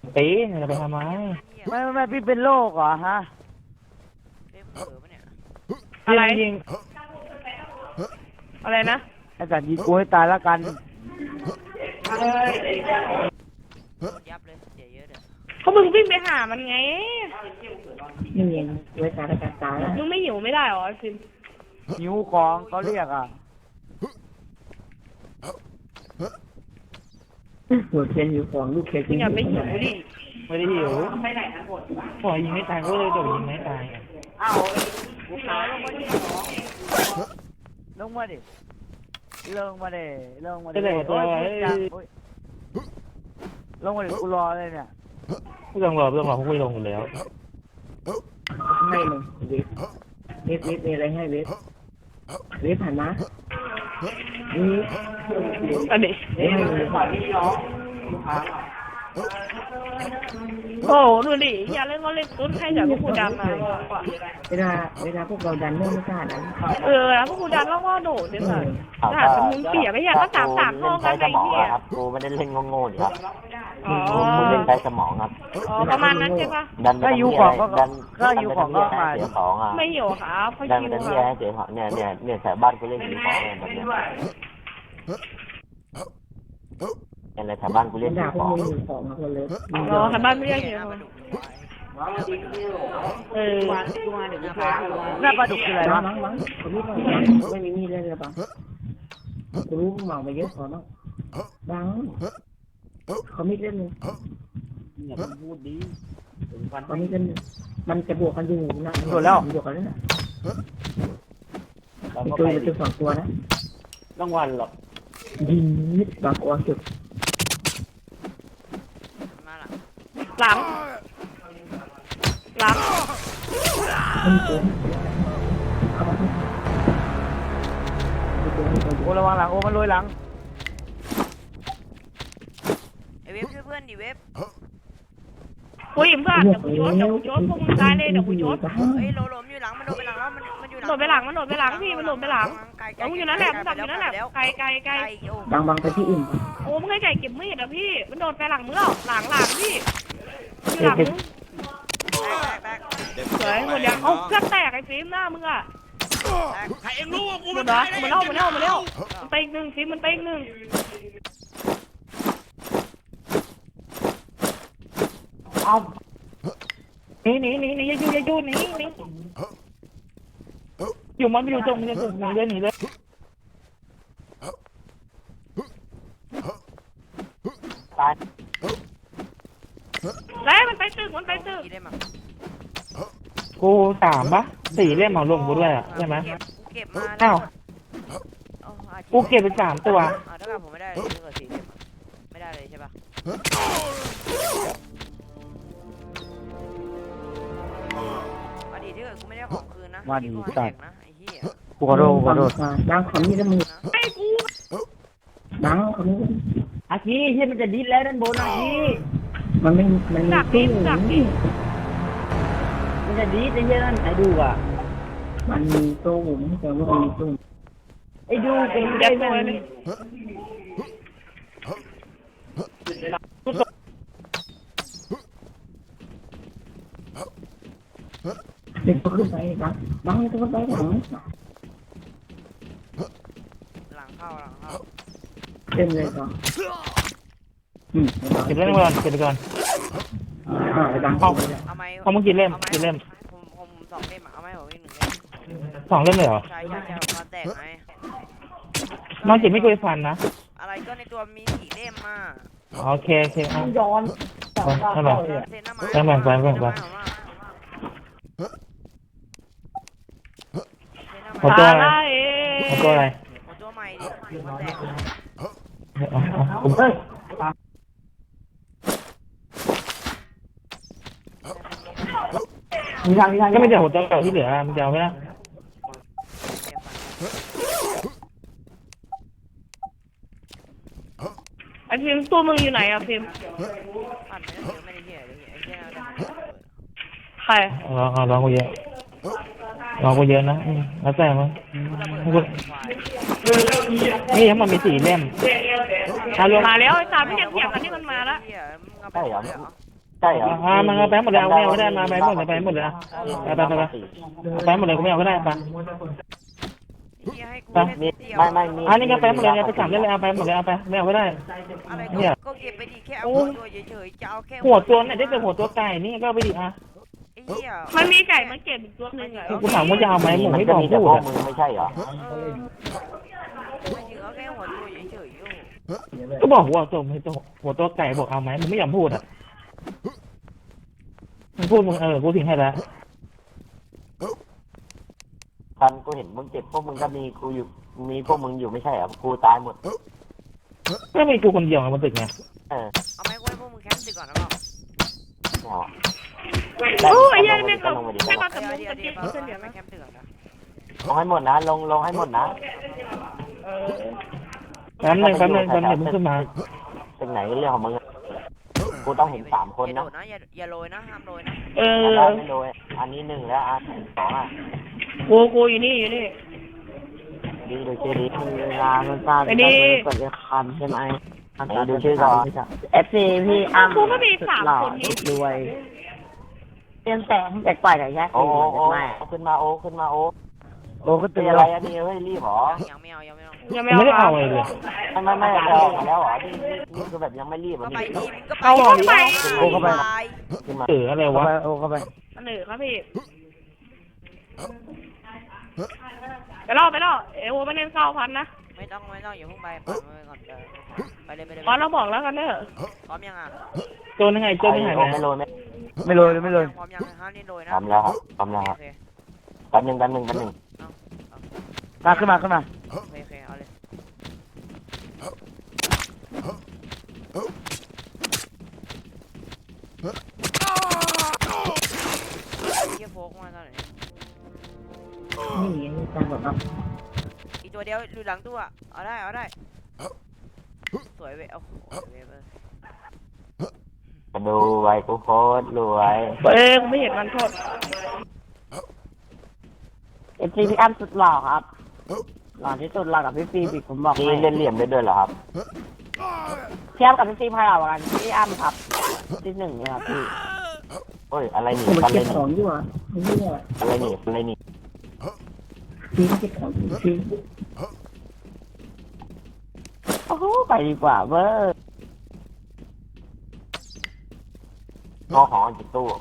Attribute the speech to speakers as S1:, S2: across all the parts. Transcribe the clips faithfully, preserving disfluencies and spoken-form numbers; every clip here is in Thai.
S1: ตีจะไปทำไม
S2: ไม่ไม่ไม่พี่เป็นโรคเหรอฮะ
S3: อะไร
S1: ยิง
S3: อะไรนะ
S2: ไอ้สัตว์ยิงกูให้ตายแล้วกัน
S4: ยับเลยเสียเยอะเด้อ
S3: เขามึงวิ่งไปหามันไง
S5: ไม่เย็นไว้ตาตาตา
S3: มึงไม่หิวไม่ได้หรอฟิล์ม
S2: หิวของเขาเรียกอ่ะ
S5: หัวเทียนอยู่ของลูกเทียน
S3: มึงอย่าไปหิวดิ
S1: ไม่ได้หิวปล่อยยิงไม่ตายก็เลยโดดยิงไม่ตาย
S2: อ้าวกูขาลงมาดิลงมาดิลงมาดิลงมาดิลงมาดิกูรอเลยเนี่ย
S1: ไม่ต้องรอไม่ต้องรอพวกกูลงอยู่แล้ว
S5: ให้เลยเวฟเวฟเวฟมีอะไรให้เวฟเวฟผ่านมาเวฟ
S3: อันนี้
S5: เวฟให้เลย
S3: โอ้ดูดิอย่าเล่นก็เล่นตุ้นให้จากพวกกูดันมา
S5: เวลาเวลาพวกเราดันเรื่องไม่กล้าดัน
S3: เออแล้วพวกกูดันแล้วก็โดดเนี่ยค่ะถ้ามึงเปียกไม่อยากก็สามสามห้องกันไอ้เหี้ย
S6: ครับกูไม่ได้เล่นโง่ๆครับ
S3: อ๋อ
S6: กูเล่นใช้สมองครับ
S3: อ๋อประมาณนั้นใช่ปะ
S6: ดัน
S2: ถ้าอยู่ของก็ก็อยู่ของก็มา
S6: เสียของอ่ะ
S3: ไม่อยู่ครับเขา
S6: ดัน
S3: คิว
S6: เป็น
S3: ค
S6: ที่
S3: รับ
S6: ให้เสียของเนี่ยเนี่ยเนี่ยแถวบ้านกูเล่นสีของแบบเนี้ยอะไรแถวบ้านกูเล่นสี
S5: ด่าพว
S6: ข
S5: ก
S6: อง
S5: มึงอยู่ของคนเลย
S3: อ๋อทางบ้านไม่เรียกเยอะเออ
S2: หน้าปลาดุกคืออะไรวะ
S5: มั้งมั้งผมไม่ไม่มีมีดเลยหรือเปล่ากูรู้มึงเมาไปเยอะพอแล้วบังเขาไม่เล่นเลย
S2: อย่าพูดดี
S5: เขาไม่เล่นมันจะบวกกันอยู่นะบวกกันนะเป็นตัวเป็นตัวสองตัวนะ
S1: รางวัลหรอก
S5: ยิงนิดบางตัวสุด
S4: มาหลัง
S3: หลังหลัง
S5: มันตัว
S2: โอ้ระวังหลังโอ้มันลอยหลัง
S4: ไอเว็บช่วยเพื่อนดิเว็บ
S3: กูอิ่มก็เดี๋ยวกูโยนเดี๋ยวกูโยนพวกมึงตายเลยเดี๋ยวกูโยน
S4: เฮ้ยโลโลมอยู่หลังมันโดนไปหลังแล้วมันมันอยู่หลัง
S3: โดดไปหลังมันโดดไปหลังพี่มันโดดไปหลังเอาอยู่นั่นแหละมันดักอยู่นั่นแหละไกลไกลไกล
S5: บางบางไปที่อื่น
S3: โอ้มึงให้ไก่เก็บมีดอ่ะพี่มันโดดไปหลังมึงแล้วหลังหลังพี่อยู่หลังมึงสวยหมดยังเอาเครื่องแตกไอ้ฟิล์มหน้ามึงอ่ะ
S4: ใครเอ็งรู้ว่ากู
S3: มันตายมันเล่ามันเล่ามันเล่ามันไปอีกหนึ่งฟิล์มมันไปอีกหนึ่งเอาหนีหนีหนีหนีอย่าอยู่อย่าอยู่หนีหนีอยู่มันไม่อยู่ตรงนี้ตรงนี้เลยหนีเลยตายแล้วมันไปตึกมันไปตึก
S1: กูสามปะสี่เล่มเอาลงกูด้วยอ่ะใช่ไหม
S4: เก็บมา
S1: อ้าวกูเก็บไปสามตัว
S4: อ่าถ้าเกิดผมไม่ได้เลยถ้าเกิดสี่เก็บไม่ได้เลยใช่ปะอดีตที่เกิดกูไม่ได้ของคืนนะ
S2: มาดีสัตว์
S4: นะไอ้เหี้ย
S2: กูขอโทษกูขอโทษ
S5: บางคนนี่ก็มือ
S3: ไอ้กู
S5: บางคนนี้
S2: อาชีที่มันจะดิ้นแล้วด้านบนอาชี
S5: มันไม่มันมีตู้
S2: มันจะดิ้นไอ้เหี้ยนั่นไอ้ดูอ่ะ
S5: มันมีตู้ผมแต่ว่ามันมีตู้
S2: ไอ้ดูเป็น
S3: ยัด
S2: ไอ้
S3: ตัว
S2: นั่น
S3: เลย
S5: เด็กก็ขึ้นไปบางบางก็ขึ้นไปหลัง
S4: หลังเข้าหลังเข้า
S5: เต็มเลยก่อน
S1: เก็บเล่มก่อนเก็บไปก่อน
S5: อ่าบาง
S1: เอา
S4: เอาไหม
S1: เอามึงกี่เล่มกี่เล่ม
S4: ผมผมสองเล่มเอาไหมผมอีกหนึ่งเล่ม
S1: สองเล่มเลยเหรอ
S4: ใช่ใช่ใช่มาแตกไหม
S1: น้องจิ๋มไม่เคยฟันนะ
S4: อะไรก็ในตัวมีสี่เล่มมา
S1: โอเคโอเคเอา
S2: ย้อน
S1: เอาไปแบ่งแบ่งแบ่งแบ่งหัวตัวอะไรหัวตัวอะไร
S4: หัวตัวใหม่ดิมาแตก
S1: ผมเอ้ยมีทางมีทางก็ไม่เดี๋ยวหัวตัวเก่าที่เหลือมันจะเอาไหมล่ะ
S3: ไอ้ฟิล์มตัวมึงอยู่ไหนอะฟิล์ม
S4: ปั่นไม่ได้เยอะไม่ได้เยอะไอ้เหี้ย
S3: ใคร
S1: รอรอกูเยอะรอกูเยอะนะแล้วแต่มั้งนี่ทั้งหมดมีสี่เล่ม
S3: มาแล้วไอ้สามไม่ยังเถียงกันนี่มันมาแล้ว
S6: ใช่เหรอใช่เหรอ
S1: อ่ามันเอาไปหมดเลยเอาไม่เอาก็ได้มาไปหมดเลยไปหมดเลยนะไปไปไปไปไปหมดเลยกูไม่เอาก็ได้ไป
S4: เฮียให้กู
S1: ไป
S4: เล่นเดียว
S6: ไม่ไม่มี
S1: อันนี้ก็ไปหมดเลยไปสามเล่นเลยเอาไปหมดเลยเอาไปไม่เอาก็ได้
S4: อะไร
S1: เนี่ย
S4: ก็เก็บไปดิแค่เอาหัวตัวเฉยๆจะเอาแค่
S1: หัวตัวเนี่ยได้แต่หัวตัวไก่นี่ก็เอาไปดิอ่ะ
S4: ไอ้เหี้ย
S3: มันมีไก่มาเก็บอีกตัวหนึงอ่ะ
S1: กูถามว่าจะเอาไหมหมู
S6: มัน
S1: ไม่
S6: ก็
S1: บอก
S6: มีแต่
S1: พู
S6: พ
S1: ด
S6: วก
S1: อ่ะ
S6: มึงไม่ใช่เหรอ
S4: เออไม่ถึงเอาแค่หัวตัวเฉยๆอยู่
S1: ก็บอกหัวตัวไม่ตัวหัวตัวไก่บอกเอาไหมมึงไม่ยอมพูดอ่ะมึงพูดมึงเออกูถึงให้แล้ว
S6: คันกูเห็นมึงเจ็บพวกมึงก็มีกูอยู่มีพวกมึงอยู่ไม่ใช่เหรอกูตายหมด
S1: ก็มีกูคนเดียวไงบนตึกไง
S6: เออ
S4: เอาไหมกูให้พวกมึงแคมป์ตึกก่อนนะเปล่า
S6: ไม่เอา
S3: โอ้ยยัย
S6: ล
S3: ไม่
S6: ง
S3: กับ
S6: ลงมาดิ
S3: ไม่
S6: ล
S3: กับกับมุ้ง
S4: เดี๋ยว
S3: กับ
S4: เดี๋
S3: เก็
S4: ยว
S3: บ
S4: เดี๋ยว
S3: เฉลี่ย
S4: ไม่
S3: นะ
S4: แคมป์ตึกก่อนนะ
S6: งให้หมดนะลงลงให้หมดนะ
S3: เออ
S1: แป๊บนึงแป๊บนึงแป๊บนึงมึงขึ้นมา
S6: เป็นไหนเรื่องของมึงอะกูต้องเห็นสามคน
S4: อย่า
S6: นะ
S4: โดดนะอย่าอย่าโรยนะห้ามโรยนะ
S3: เออ
S6: ได้ไม่โดยอันนี้หนึ่งแล้วอันสองอ่ะ
S3: กูกูอยู่นี่อยู่นี่
S6: ดีดูชื่อดีเวลามันสั้น
S3: ไอ้นี่
S6: กดคำใช่ไหมดูชื่อก่อน
S5: เอฟซีพี่อ้ำ
S3: กูก็มีสามคนนี้
S5: รวยเตรียมแต่งเด็กปล่อยหน่อยแยก
S6: โอ้
S5: สี่
S6: โอ้
S5: หน่อย
S6: โอ้ขึ้นมาโอ้ขึ้นมาโอ้
S5: โอ้ก็
S6: เป็
S5: ตื่
S6: น
S5: น
S6: อะ
S5: อะไร ไร
S6: อันนี้เฮ้ยรีบหรอ
S4: ยังไม่เอายังไม่เอา
S3: ยัง
S1: ไม่
S3: ไม่
S1: ได้
S3: เอา
S1: เอาอะไรเลย
S6: ไม่ไม่ไม่เราออกมาแล้วเหรอนี่นี่คือแบบยังไม่รีบ
S4: ก็
S6: อ่ะ
S4: ไป
S6: นี่
S4: ทีมก็ไป
S3: เอาเข้าไป
S6: โอ้เข้าไปขึ้นมา
S1: เอออะไรวะ
S5: โอ้เข้าไป
S3: อันหนึ่งครับพี่ไปล่อไปล่อเอวไม่เล่นเก้าพันนะ
S4: ไม่ต้องไม่ต้องอย่าเพิ่งไปปล่อยมันไปก่อนเออไปเลยไปเลย
S3: พอเราบอกแล้วกันเนอะ
S4: พร้อมยังอ่ะ
S1: ตัวนึงไงตัวนึงหายไป
S6: ไม่โรยไม่
S5: ไม่โรยไม่โรย
S4: พร้อมยังห้ามนี่โรยนะ
S6: ทำแล้วครับทำแล้วครับ
S4: โอเค
S6: แป๊บนึงแป๊บนึงแป๊บนึง
S5: มาขึ้นมาขึ้นมา
S4: โอเคโอเคเอาเลยเฮียโฟกมาตอนไหน
S5: นี่นี่จังหวะครับ
S4: อีกตัวเดียวอยู่หลังตัวเอาได้เอาได้สวยเว้ยโอ้โหเว้ยเว้ย
S6: มาดูไว้กูโคตรรวย
S3: เอ้ยกูไม่เห็นมันโทษ
S5: เอฟซีพี่อ้ำสุดหล่อครับหล่อที่สุดหล่อกับพี่ฟีบิกผมบอก
S6: นี่
S5: ให้
S6: เล่นเหลี่ยมได้ด้วยเหรอครับ
S5: เทียบกับพี่ฟีพายหล่อกว่ากันพี่อ้ำครับที่หนึ่งเลยครับพี่
S6: เฮ้ยอะไรนี่อะไรนี่
S5: ของอยู่อ่ะนี่แหละ
S6: อะไรนี่อะไรนี่
S5: พี่เก็บของพี่โอ้โหไปดีกว่าเว้ย
S6: งอของจิตตู้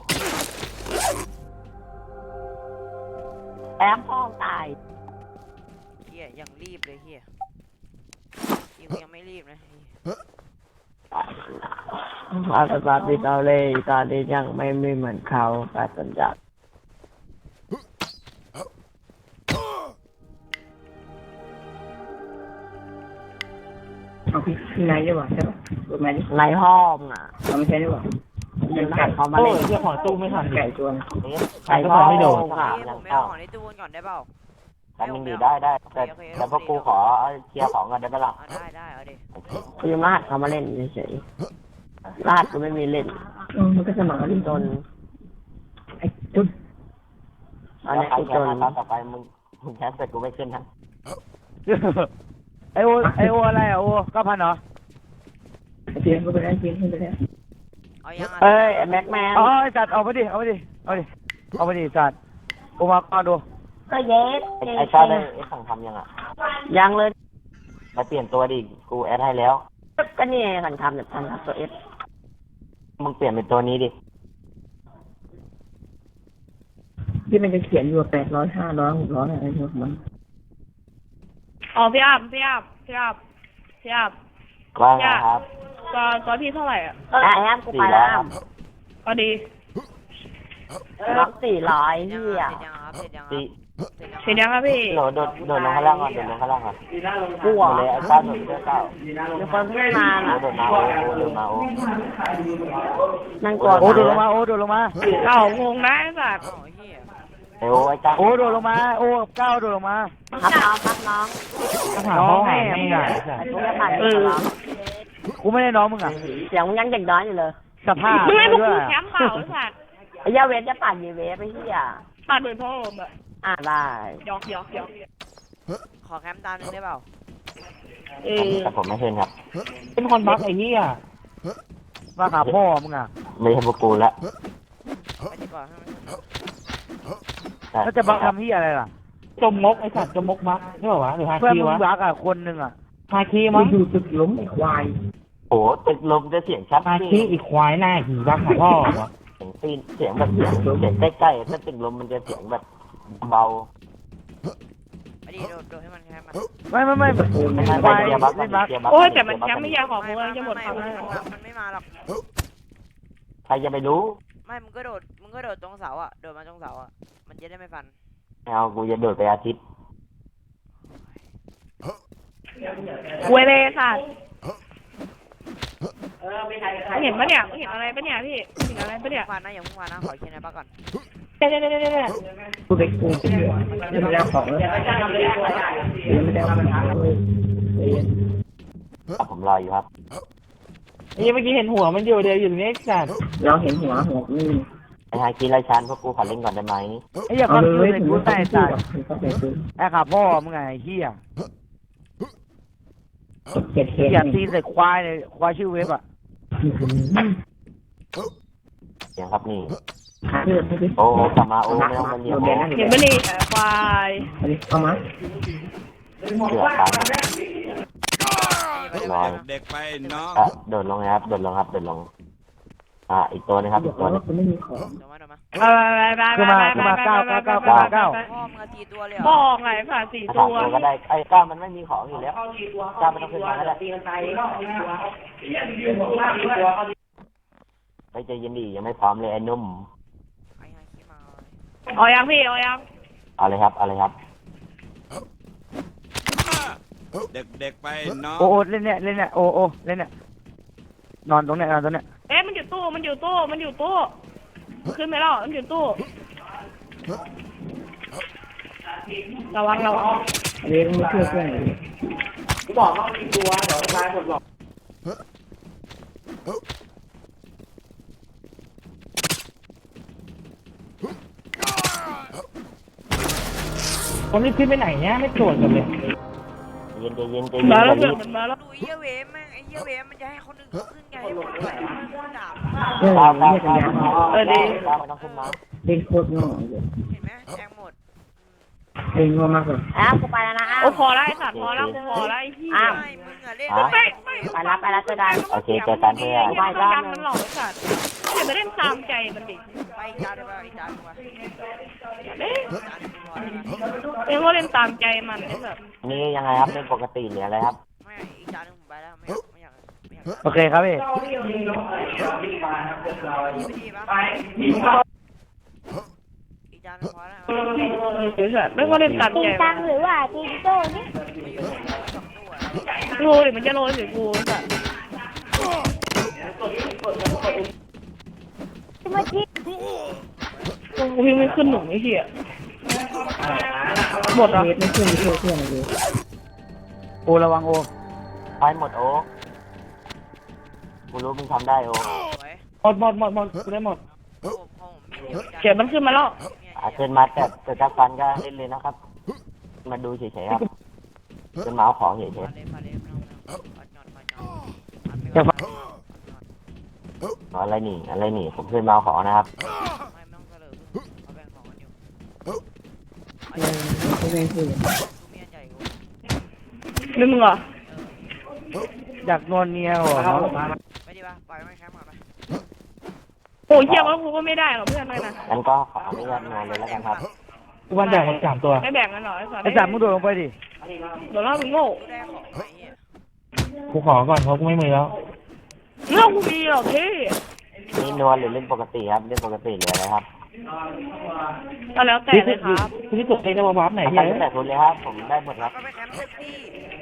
S5: แอมพ่อตาย
S4: เฮียยังรีบเลยเฮียยิงยังไม่รีบนะ
S5: อาสาปิดเอาเลยตอนนี้ยังไม่ไม่เหมือนเขาการสัญญาเอาพี่พี่นายดีกว่าใช่ป่ะถูกไหมนายห้องอ่ะเราไม่ใช่ดีกว่าเป็นไก่เขามา
S1: โอ้
S5: เล่
S1: ย
S5: น
S1: เจ้าของตู้ไม่ทันดิ
S5: ไก่ตัวนึง
S1: ไก่ก็ไม่โดน
S4: เฮ้ยผมไม่เอาของในตู้ก่อนได้เปล่า
S6: อันนึงดีได้ได้แต่แต่พวกกูขอเคลียร์ของกันได้ปะล่ะ
S4: เอาได้ได้เอาดิ
S5: คือรหัสเขามาเล่นเฉยๆรหัสก็ไม่มีเล่นมันก็สมัครเล่นจนไอ้จุดอัน
S6: แล้ว
S5: นี้
S6: ใคร
S5: ไอ้
S6: แค
S5: จ
S6: ส
S5: น
S6: มาต่อไปมึงมึงแคสแต่กูไม่ขึ้นนะ
S2: ไอโอไอโออะไรอ่ะโอเก้าพันเหรอ
S5: เพียงก็ไปได้เพียงขึ้นไปแล้ว
S4: เอายัง
S5: เอ้ยแม็กแมน
S2: เอาไอสัตว์เอาไปดิเอาไปดิเอาดิเอาไปดิสัตว์โอมาก่อนดู
S5: ก็เย็ด
S6: ไอ้ชาได้ไอ้สั่งทำยังอ่ะ
S5: ยังเลย
S6: มาเปลี่ยนตัวดิกูแอดให้แล้ว
S5: ก็นี่ขันทำแบบทำครับตัวเอส
S6: มึงเปลี่ยนเป็นตัวนี้ดิ
S5: ที่มันจะเขียนอยู่แปดร้อยห้าร้อยหกร้อยอะไรของมัน
S3: อ๋อพี่อ้ำพี่อ้ำพี่อ้ำพี่อ้ำ
S6: ว่าไงครับ
S3: ก็ก็พี่เท่าไหร่อ่ะ
S5: อ่ะแอมกู
S6: สี่
S5: ไป
S6: ร้
S5: แล้
S6: อยว ครับ
S3: ก็ดี
S5: ร้องสี่ร้อย
S4: เสร็จ
S5: พี่
S4: ยัง
S5: อ่ะ
S4: ครับเสร็จยังครับ
S6: สี่
S4: เสร็จยัง
S3: เสร็จยังครับพี่
S6: โดดโดดโดดลงข้างล่างก่อนโดดลงข้างล่างก่อน
S5: กู
S6: โด
S5: อ่ะ
S6: ดเลยไอ้ชาโดดเสื้อเก้า
S5: มีคนขึ้นมา
S6: โอ้
S5: อ่ะ
S6: โดดมาโอ้โดดมาโอ้
S5: นั่งกลัว
S2: โอโดดลงมาโอโดดลงมา
S3: เอ้างงนะไอ้สัตว์
S4: อ๋อเฮีย
S6: ไอ้โอ้ไอ้จ้า
S2: โอโดดลงมาโอเก้าโดดลงมา
S5: ครับน้องครับน้อง
S1: ก็ถามเขาหาไม่ได้
S5: ไอ้พวกนี้ผ่านไปแล้ว
S2: กูไม่ได้น้องมึงอ่ะ
S5: เสียงมึงยังเด็กน้อยอยู่เลย
S2: สภาพ
S3: มึงให้พวก
S2: ด้ว
S3: กู
S2: ย
S3: แคมป์เปล่าไอ้สัตว์
S5: ไอ้ยาเวทจะปั่นยีเวฟไปที่อ่ะ
S3: ปาดเหมือนพ่อผมอะ
S5: อ่าได้
S3: หยอกหยอกหยอก
S4: ขอแคมป์ตามหนึ่งได้เปล่า
S3: เออ
S6: แต่ผมไม่ขึ้นครับ
S1: เป็นคนบักไอ้นี่อ่ะ
S2: มาหาพ่อมึงอ่ะ
S6: มไม่ใช่พวกกูละ
S4: ไปดีกว่าให้มัน
S2: แล้วจะบังทำที่อะไรล่ะ
S1: จมมกไอ้สัตว์จมมกมักใช่ป่าวะหรือฮา
S2: เพื่อน
S1: คี
S2: มึง
S1: วะ
S2: รักอ่ะคนหนึ่งอ่ะ
S1: ฮาคี
S5: มึ
S1: มั้
S5: ง
S1: ง
S5: อยู่ตึกล้มไอ้ควาย
S6: โอ้ตึกลมจะเสียงชัด
S1: ฮาคีอีกควายหน้าหีรักของพ่อวะ
S6: เสียงตีนเสียงแบบเสียงเสียงใกล้ๆถ้าตึกลมมันจะเสียงแบบเบา
S4: ไปดีโดดโดดให้มันแค่มัน
S2: ไม่ไม่ไม่
S6: ไม่ไม่
S2: ควาย
S6: เกียร์บัฟ
S2: เล่นบัก
S6: เกียร์บัฟ
S3: โอ้ยแต่มันแชมป์ไม่ยากของมึงจะหมด
S4: ไม่
S3: ความ
S4: ไม่
S3: แล้ว
S4: มันมันไม่มาหรอก
S6: ใครจะไปรู้
S4: ไม่มึงก็โดดมึงก็โดดตรงเสาอ่ะโดดมาตรงเสาอ่ะมันจะได้ไม่ฟัน
S6: เอากูจะโดดไปอาทิตย์
S3: คุยเลยสัตว์เห็นปะเนี่ยเห็นอะไรปะเนี่ยพี่เห็นอะไรปะเนี่ย
S4: ฟันนะอย่าพุ่งฟันนะขอเคียนในบ้าก่อน
S3: เนี่ยเนี่ยเนี่ยเนี่ย
S5: กูไปกูไปยังไม่ได้ของเลยยังไม่ได้ของเลย
S6: ครับผมรออยู่ครับ
S1: ไอ้เมื่อกี้เห็นหัวมันอยู่เดียวอยู่นี่สัตว์
S5: เราเห็นหัวหัวนี่
S6: ไอ้ฮาคิไรชันพวกกูขอเล่นก่อนได้ไหม
S2: ไอ้เหี้ย
S5: เอา
S2: เขา
S5: เล
S2: คื
S5: ย
S2: อในกูใส่ใส่
S5: เขาใส่ซื้อ
S2: ไอ้ขาพ่อมึงไงไอ้เหี้ย
S5: เจ็ดเจ็ด
S2: เหี้ยตีนใส่ควายเลยควายชื่อเว็บอ่ะ
S6: เสียงครับนี่
S5: ขาเลือดไม่ได้
S6: โอ้โอ้กลับมาโอ้ไม่ต้องมาเรียกโอ้
S3: เห็นปะนี่ควาย
S5: อันนี้เอามา
S6: เสือกครับลอย
S7: เด็กไปน้อง
S6: อ่ะโดดลงนะครับโดดลงครับโดดลงอ่าอีกตัวนึงครับ
S5: บ
S6: อี
S5: อก
S6: กตัวนึ
S5: ว่าง คุณไม่มีของ
S4: เดี๋ยวมาเดี๋ยวมา
S3: ไปไปไป
S2: ขึ้นมาขึ้นมาเก้าเก้าเก้าเก้าเก้า
S4: พ่อมึงตีตัวเลย
S3: บ
S4: เหร
S3: อ
S4: อก
S3: ไงผ่าสี่
S6: ถ้า
S3: ตั
S6: สาม
S3: ว
S6: ตัวก็ได้ไอ้ก้ามันไม่มีของอยู่แล้วก้าไม่ต้องขึ้นมาก็ได้ไปใจเย็นดียังไม่พร้อมเลยไอ้นุ่ม
S4: ไอ้ฮาคิมา
S3: เอายังพี่เอายัง
S6: เอาเลยครับเอาเลยครับ
S7: เด็กเด็กไปน้อง
S2: โอ้โอ้เล่นเนี่ยเล่นเนี่ยโอ้โอ้เล่นเนี่ยนอนตรงเนี้ยนอนตรงเนี้ย
S3: เอ๊ะมันอยู่ตู้มันอยู่ตู้มันอยู่ตู้ขึ้นไปแล้วมันอยู่ตู้ระวังระวัง
S5: เลี้ยงเพื่อนเพื่อน
S1: คนนี้ขึ้นไปไหนเนี่ยไม่ตรวจกันเลย
S6: เย็นใจเย็นใจเย็น
S3: มาแล้ว
S6: ใจ
S3: เพื่
S6: เย็
S3: อน
S6: น
S3: มันมาแล้ว
S4: ดูไอ้เหี้ยเวมแม่งไอ้เหี้ยเวมมันจะให้คนอื่นเขาขึ้นไงให้คนอื่นเขาด่า
S5: เออ
S6: ก้าว
S5: เรี
S6: ก้าวย
S5: กกัน
S6: ก้าวย
S5: าว
S3: เออดี
S6: ก้าวไม่ต้องขึ้นมา
S5: เล่นโคตรง่ายเลย
S4: เห็นไหมแทงหมด
S5: เล่นง่ายมากเลย
S8: อ้าวกูไปแล้วนะอ้าว
S3: โอ้พอแล้วไอ้สัตว์พอแล้วพอแล้วไอ้ที่
S8: อ้าว
S4: ไม่มึงอะเล่น
S3: ไม่
S4: ไม่
S3: ไม่
S8: ไปรับไปรับเจอกัน
S6: โอเคเจอกันเพื่อน
S3: ไม่ต้องยันมันหลอกไอ้สัตว์อย่าไปเล่นตามใจมันดิ
S4: ไปอีกจานเดียวไปอีกจานเดียวไป
S3: เอ๊ะ
S4: จานเดียวพอแล้วนะ
S3: เอ็งก็เล่นตามใจมันไอ้สัตว์
S6: นี่ยังไงครับเป็นปกติหรืออะไรครับ
S4: ไม่อีกจานหนึงผมไปแล้วไม่อยากไม่อยากไม่อยาก
S2: โอเคครับพี่
S4: ดีไม่ดีปะอีกจานหนึงพอแล้ว
S3: ไอ้สัตว์ไม่ก็เล่นตาม
S8: จริ
S3: ใจ
S8: งจังหรือว่าจริงโจ้นี่
S4: ไม่อยู่สองตัว
S3: โรยมันจะโรยใส่กูไอ้สัตว์
S8: ที่มาที่
S3: กูพิงไม่ขึ้นหนุ่มไอ้เหี้ยหมดอ่ะ
S5: เล่นไม่เพื่อนไม่เพื่อนเพื่อนเลย
S2: โอระวังโอ
S6: ไปหมดโอ้กูรู้มึงทำได้โอ้
S4: สวย
S1: หมดหมดหมดหมดกูได้หมด
S4: ผมผมมีเดียวอีกจาน
S3: เขียนมันขึ้นมาแล้ว
S6: อาขึ้นมาแต่แต่ถ้าฟันก็เล่นเลยนะครับ มาดูเฉยๆครับเป็นเมาส์ของเฉย
S4: พาเลยพาเลยไม่ต้องไม่ต้องปัดหย่อนปัดหย่อนอันไม่
S2: จะ
S4: ต้
S2: ฟั
S4: อง
S2: ง
S6: ๆอะไรนี่อะไรนี่ผมขึ้นเมาส์ของนะครับ
S4: ไม่ต้องเสลอเอาแบ่งของกันอยู่
S5: เออไม่ได้คือ
S4: ดูเมียใหญ่กู
S3: นี่มึงเหรอ
S2: อยากนวลเนียเหรอน้อง
S4: ไปดีป่ะปล่อยไม่แคมป์ก่อนไป
S3: โอ้ยเหี้ยว่ากูก็ไม่ได้หรอกเพื่อนเลยนะ
S6: งั้นก็ขออนุญาตนอนเลยแล้วกันครับ
S1: กูวันแบ่งหมดสามตัว
S3: ไม่แบ่งกันหรอไอ้สัตว์
S2: ไอ้สามมึงโดดลงไปดิ
S3: เดี๋ยวเรามึงโง่
S4: กูได้ของไหมเหี้ย
S1: กูขอก่อนเพราะกูไม่มีแล้ว
S3: เรื่องกูมีหรอกพี่
S6: นี่นวลหรือเล่นปกติครับเล่นปกติหรืออะไรครับ
S3: ก็แล้วแต่เลยครับ
S1: พี่ที่ตัวเองจะมาวับไหน
S6: ใคร
S1: เฮ้ย
S6: ก็แต่คุณเลยครับ ผมได้หมดครับ
S4: ก็ไปแคมป์สักที่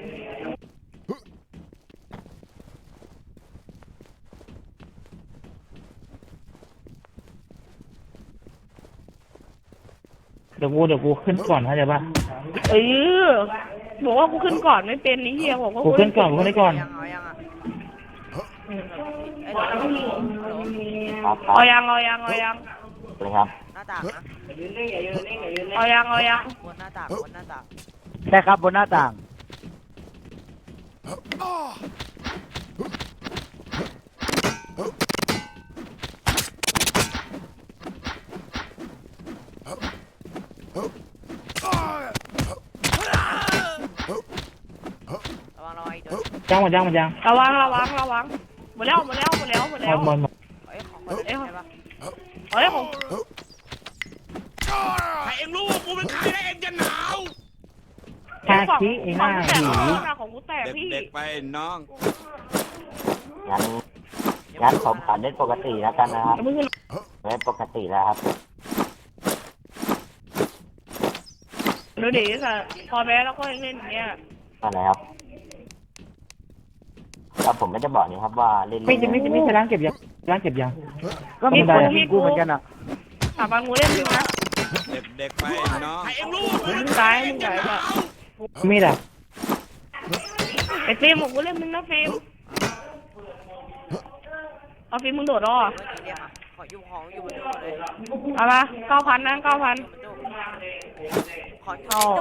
S1: เดี๋ยวกูเดี๋ยวกูขึ้นก่อนเข้าใจปะ
S3: เออบอกว่ากูขึ้นก่อนไม่เป็นนี่เฮียบอกว่า
S1: กูขึ้นก่อนกูขึ้นได้ก่อน
S4: ยังเอายังอ่ะไอ้หลานฮัลโหล
S6: ครับครั
S3: เอา
S6: บ
S3: ยังเอายังเอายัง
S6: เลยครับ
S4: หน้าต่างนะ
S3: เอายังเอายัง
S4: บนหน้าต่างบนหน้าต่าง
S2: ได้ครับบนหน้าต่าง
S4: ระวังระวังอีกตัว
S1: จ้างหมดจ้างหมดจ้าง
S3: ระวังระวังระวังหมดแล้วหมดแล้วหมดแล้วหมด
S1: ห
S3: แล้ว
S1: มดหมดหมด
S4: เอ้ยของคนเล่นใช่ปะ
S3: เฮ้ยของ
S7: ถ้าเองรู้ว่ากูเป็นใครแล้วเองจะหนาว
S1: ฮาคิไอ้หน้า
S3: แตก
S1: หี
S3: ของกูแตก
S7: เด็ก
S3: พี่
S7: เด็กไปน้อง
S6: งั้นงั้นผมขอเล่นปกติแล้วกันนะครับ
S3: มึง
S6: เล่นปกติแล้วครับ
S3: ดูดิค่ะพอแพ้แล้วก็เล่นอย่างเงี้ย
S6: อะไรครับแต่ผมไม่ได้บอกนี่ครับว่าเล่น
S1: ไม่
S6: เล่น
S1: จะไม่จะไม่จะล้างเก็บยังล้างเก็บยัง
S2: ก็มีคนยิงกูเหมือนกันอ่ะ
S3: ถามบางงูเล่นมึงนะ
S7: เด็กเด็กไปน้อง
S3: มึงตายมึงตายแบบ
S1: มีดอ่ะ
S3: ไอ้ฟิล์มของกูเล่นมึงนะฟิล์มเอาฟิล์มมึงโดดรอ
S4: เมื่อกี้เรียกมาขออยู่ของอยู่บนตู้เลย
S3: เอามาเก้าพันนะเก้าพัน
S4: อยู่บนตู้ของอยู่บนตู้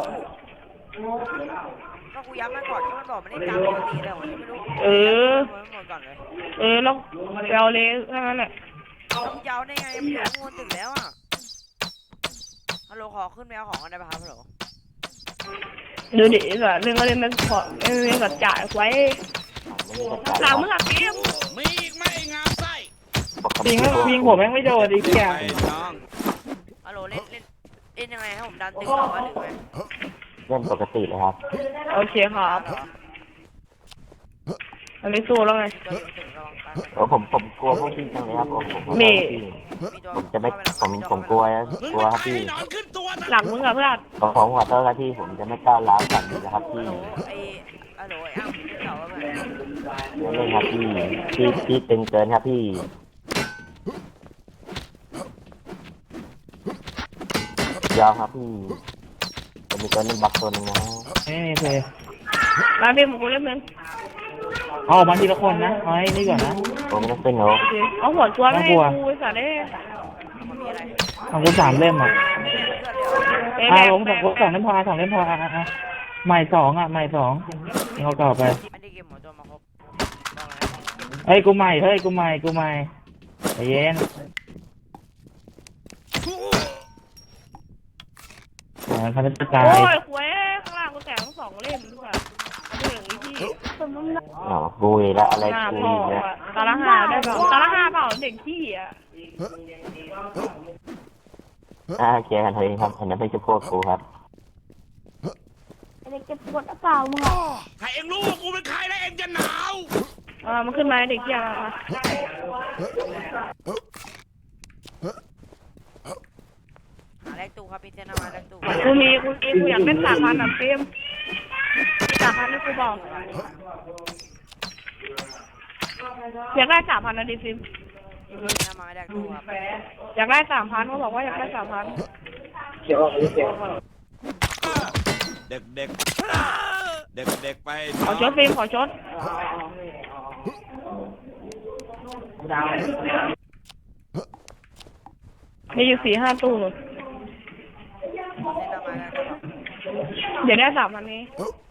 S4: ก็กูย้ำมาก่อนก็มันบอกมันได้ตามปกติเลยผมไม่รู้
S3: เออ
S4: หมดก่อนเลย
S3: เออแล้วเราเลยแค่นั้นแหละ
S4: ต้องยาวได้ไงมันอยู่ข้างบนตึกแล้วอ่ะฮัลโหลขอขึ้นไปเอาของกันได้ป่ะครับฮัลโหล
S3: ดูดิแบบเรื่องก็เล่นมันขอเล่นกับจ่ายไว้หลังมึงอะฟิล์ม
S7: มีอีกไหมไอ้งามไส้
S6: ปก
S1: ยิ
S6: ติ
S1: งยิงผมแม่งไม่โดนไอ้เหี้ย
S7: ไปน้อง
S4: ฮัลโหลเล่นเล่นเล่นยังไงให้ผมดันตึกต่อมาหรือไง
S6: เล่นปกติเลยครับ
S3: โอเคครับอันนี้สู้แล้วไง
S4: ตัวอยู่ตึกระวังกัน
S6: โอ้ผมผมกลัวพวกพี่จังเลยครับผมผม
S3: มี
S4: มีตัว
S6: ผมจะไม่ผมผมกลัวกลัวครับพี่
S7: นอนขึ้นตัวนะ
S3: หลังมึงอะเพื่อน
S6: ผมผมขอโทษครับพี่ผมจะไม่ก้าวร้าวกันนะครับพี่
S4: ฮัลโหลไอ้ฮัลโหลไอ้อ้ำที่เก่าว่าแบบ
S6: ไม่เล่นครับพี่พี่พี่ตึงเกินครับพี่ยอมครับพี่จะมีตัวนึงบักตัวนึงนะ
S1: นี่นี่เลย
S3: มาฟิล์มของกูเล่นมึง
S1: เอาออกมาทีละคนนะเอาให้นี่ก่อนนะ
S6: ผมไม่ต้องเป็นหนู
S3: เอาหัวตัวไม่ให้กูไอ้สัตว์เอ้ย
S4: มันมีอะไร
S1: ของกูสามเล่มอ่ะ
S4: เพื่อนเดียว
S3: เอ้ย
S1: อ่า
S3: แบ
S1: ผ
S3: ก
S1: มสองสองเล่มพอสองเล่มพออ่ะอ่ะอ่ะใหม่สองอ่ะใหม่สองนี่เขาต่อไป
S4: อันนี้เกมหมดตัวมาครบ
S1: เฮ้ยกูใหม่เฮ้ยกูใหม่กูใหม่ใจเย็นอ่าเขาจะตาย
S3: โอ้ยคุยข้างล่างกูแตกทั้งสองเล่มด้วยเอาไปอย่างนี้พี่
S6: อ๋อบุยแล้วอะไร
S3: หน้า
S6: บุ
S3: พ่อย
S6: แล้ว
S3: อะตาละห้าได้เปล่าตาละห้าเปล่าเด็กขี้อ่ะ
S6: อ่าเคลียร์กันเถอะครับอันนั้นไม่ใช่พวกกูครับ
S8: เด็กจะปวดหรือเปล่ามึงอ่ะ
S7: ถ้าเองรู้ว่ากูเป็นใครแล้วเองจะหนาว
S3: อ่ามันขึ้นมาเด็กขี้อ่ะมา
S4: หาแลกตู้ครับพี่เจนเอามาแลกตู้
S3: กูมีกูมีกูอยากเล่นสามพันอ่ะฟิล์มสามพันให้กูบอกอยากได้สามพันนะดิฟิล์ม
S4: พี่เจนเอามาแลกตู้ครับ
S3: อยากได้สามพันเขาบอกว่าอยากได้สามพัน
S7: เด็กเด็กเด็กเด็กไป
S3: ข
S7: น้
S3: อ
S7: อง
S3: ชดฟิล์มขอชดมีอยู่สี่ห้าตู้เลย
S4: พี่เจนเอามาแลกตู้ครับ
S3: เดี๋ยวได้สามพันนี้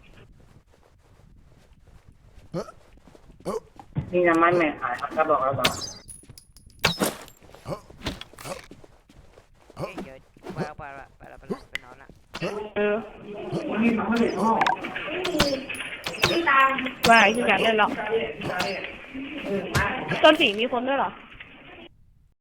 S5: นี่น้ำมันไม่ขายครับก็บอกเราบอก
S4: เฮ้ยเดี๋ยวไปแล้วไปแล้วไปแล้วไปแล้วไปนอนละ
S3: เออว่าไอ้ที่อยากเล่นหรอกต้นสีมีคนด้วยเหรอ